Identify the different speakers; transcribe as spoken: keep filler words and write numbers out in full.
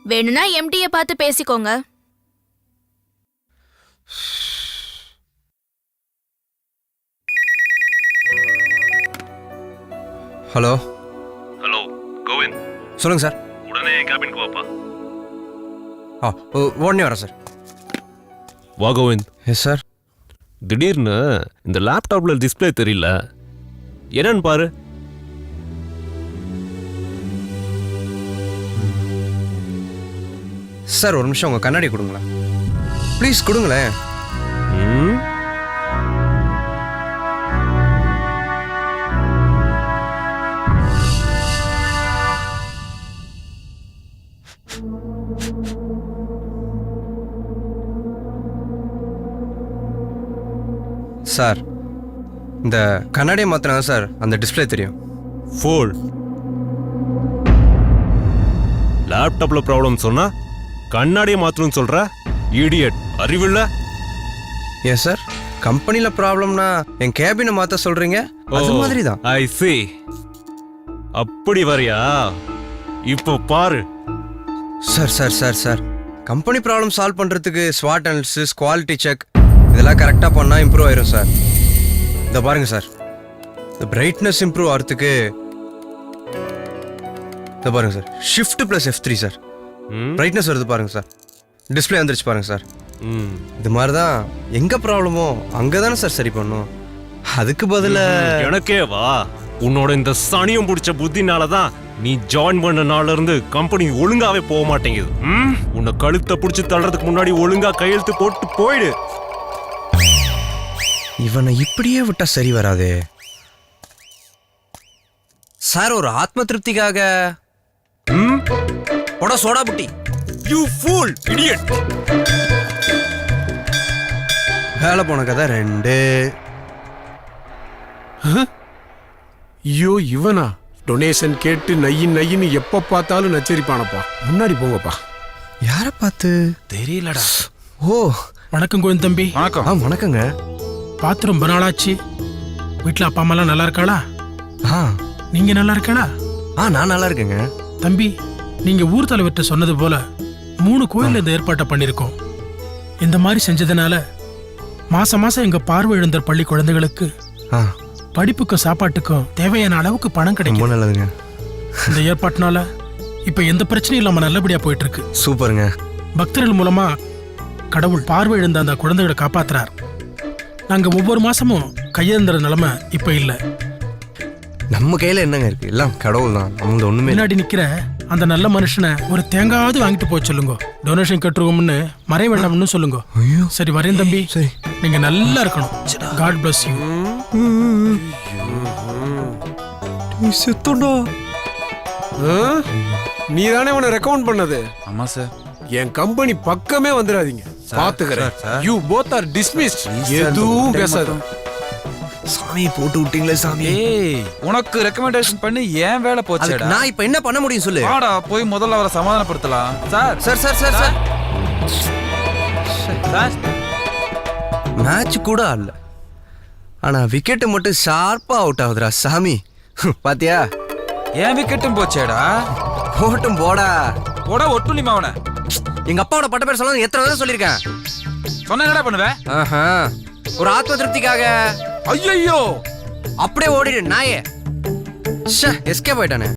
Speaker 1: வேணும்னா எம்டியை பார்த்து பேசிக்கோங்க.
Speaker 2: Hello
Speaker 3: hello Kovind,
Speaker 2: சொல்லுங்க சார்.
Speaker 3: உடனே கேபினுக்கு வாப்பா.
Speaker 2: ஆ உடனே வரேன் சார்.
Speaker 3: வா கோவிந்த்.
Speaker 2: Yes sir.
Speaker 3: திடீர்னு இந்த லேப்டாப்ல டிஸ்பிளே தெரியல, என்னன்னு பாரு.
Speaker 2: சார் ஒரு நிமிஷம் உங்கள் கண்ணாடி கொடுங்களேன் ப்ளீஸ், கொடுங்களேன்.
Speaker 3: ம்
Speaker 2: சார் இந்த கண்ணாடியை மாற்றினா சார் அந்த டிஸ்பிளே தெரியும்.
Speaker 3: ஃபோல். லேப்டாப்ல ப்ராப்ளம் சொன்னா கண்ணாடியை மாத்தணும்னு சொல்ற இடியட், அறிவில்ல?
Speaker 2: ஏன் சார் கம்பெனியில் ப்ராப்ளம்னா என் கேபினை மாற்ற சொல்கிறீங்க? அது மாதிரி தான்.
Speaker 3: ஐ see. அப்படி வரியா? இப்போ பாரு.
Speaker 2: Sir sir sir sir company problem solve பண்ணுறதுக்கு ஸ்வாட் அனாலிசிஸ், குவாலிட்டி செக் இதெல்லாம் கரெக்டாக பண்ணால் இம்ப்ரூவ் ஆயிரும் சார். இதை பாருங்கள் சார், இந்த பிரைட்னஸ் இம்ப்ரூவ் ஆகிறதுக்கு இதை பாருங்கள் sir, shift plus F three sir. Brightness வருது பாருங்கள் சார், டிஸ்பிளே வந்துருச்சு பாருங்கள் சார். இது மாதிரி தான் எங்கே ப்ராப்ளமோ அங்கே தானே சார் சரி பண்ணும். அதுக்கு பதிலாக
Speaker 3: எனக்கே வா, உன்னோட இந்த சனியும் பிடிச்ச புத்தினால தான் நீ ஜாயின் பண்ண நாள்ல இருந்து கம்பெனி ஒழுங்காவே போக மாட்டேங்குது. உன்னை கழுத்தை பிடிச்சி தள்ளுறதுக்கு முன்னாடி ஒழுங்கா கையெழுத்து போட்டு போயிடு.
Speaker 2: இவனை இப்படியே விட்டா சரி வராதே சார். ஒரு ஆத்ம திருப்திக்காக போட சோடா புட்டி.
Speaker 3: You fool idiot.
Speaker 2: வேலை போன கதை ரெண்டு.
Speaker 4: ஐயோ இவனா டொனேஷன் கேட்டு நையின் நையின்னு எப்ப பார்த்தாலும் நச்சரிப்பானப்பா. முன்னாடி போங்கப்பா.
Speaker 2: யாரை பார்த்து
Speaker 4: தெரியலடா.
Speaker 2: ஓ
Speaker 5: வணக்கம் கோவிந்த் தம்பி.
Speaker 4: வணக்கம்.
Speaker 2: ஆ வணக்கங்க.
Speaker 5: பார்த்து ரொம்ப நாளாச்சு. வீட்டில் அப்பா அம்மாலாம் நல்லா இருக்காளா?
Speaker 2: ஆ
Speaker 5: நீங்க நல்லா இருக்காளா?
Speaker 2: ஆ நான் நல்லா இருக்கேங்க.
Speaker 5: தம்பி, நீங்க ஊர் தலைவர்கிட்ட சொன்னது போல மூணு கோயில் இந்த ஏற்பாட்டை பண்ணிருக்கோம். இந்த மாதிரி செஞ்சதுனால மாசம் மாசம் எங்க பார்வை இழந்தர் பள்ளி குழந்தைகளுக்கு
Speaker 2: ஆ
Speaker 5: படிப்புக்கும் சாப்பாட்டுக்கும் தேவையான அளவுக்கு பணம்
Speaker 2: ரொம்ப
Speaker 5: கிடைக்கும்.
Speaker 2: நல்லதுங்க.
Speaker 5: இந்த ஏற்பாட்டினால இப்ப எந்த பிரச்சனையும் இல்லாம நல்லபடியா போயிட்டு இருக்கு.
Speaker 2: சூப்பருங்க.
Speaker 5: பக்தர்கள் மூலமா கடவுள் பார்வை இழந்த அந்த குழந்தைகளை காப்பாத்துறார். நாங்க ஒவ்வொரு மாசமும் கையேந்திர நிலைமை இப்ப இல்ல.
Speaker 2: நம்ம கையில என்னங்க இருக்கு, எல்லாம் கடவுள் தான். அவங்க ஒண்ணுமே இல்ல.
Speaker 5: முன்னாடி நிக்கிற அந்த நல்ல மனுஷனை ஒரு தேங்காவது வாங்கிட்டு போய் சொல்லுங்க. டொனேஷன் கட்டுருவோம்னு மறைய வேண்டாம்னு சொல்லுங்க.
Speaker 2: ஐயோ
Speaker 5: சரி வரேன் தம்பி.
Speaker 2: சரி.
Speaker 5: நீங்க நல்லா இருக்கணும். God bless you.
Speaker 2: நீ செத்தோடா.
Speaker 4: நீ தானே உன்னை ரெக்கமெண்ட் பண்ணது?
Speaker 6: ஆமா சார்.
Speaker 4: என் கம்பெனி பக்கமே வந்துடாதீங்க, பாத்துக்கிறேன். You both are dismissed. எதுவும் பேசாத.
Speaker 2: சாமி போட்டு விட்டீங்களே சாமி.
Speaker 6: ஏய், உனக்கு ரெக்கமெண்டேஷன் பண்ணி ஏன் வேலை போச்சேடா?
Speaker 2: நான் இப்ப என்ன பண்ண முடியும் சொல்லு.
Speaker 6: வாடா போய் முதல்ல அவரை சமாதானப்படுத்தலாம். Sir
Speaker 2: sir sir sir sir
Speaker 6: sir
Speaker 2: match கூட ஆடல, ஆனா விக்கெட் மட்டும் ஷார்ப்பா அவுட் ஆகுதுடா சாமி. பாத்தியா?
Speaker 6: ஏன் விக்கெட்டும் போச்சேடா?
Speaker 2: போட்டும் போடா.
Speaker 6: போடா ஒட்டுலிமா அவனை.
Speaker 2: எங்க அப்பாவோட பட்ட பேர் சொல்ல எத்தனை தடவை சொல்லியிருக்கேன்.
Speaker 6: சொன்ன என்னடா பண்ணுவேன்?
Speaker 2: ஆஹா, ஒரு ஆத்ம திருப்திக்காக.
Speaker 6: ஐயோ
Speaker 2: அப்படியே ஓடிடு நாயே. எஸ்கேப் ஆயிட்டானே.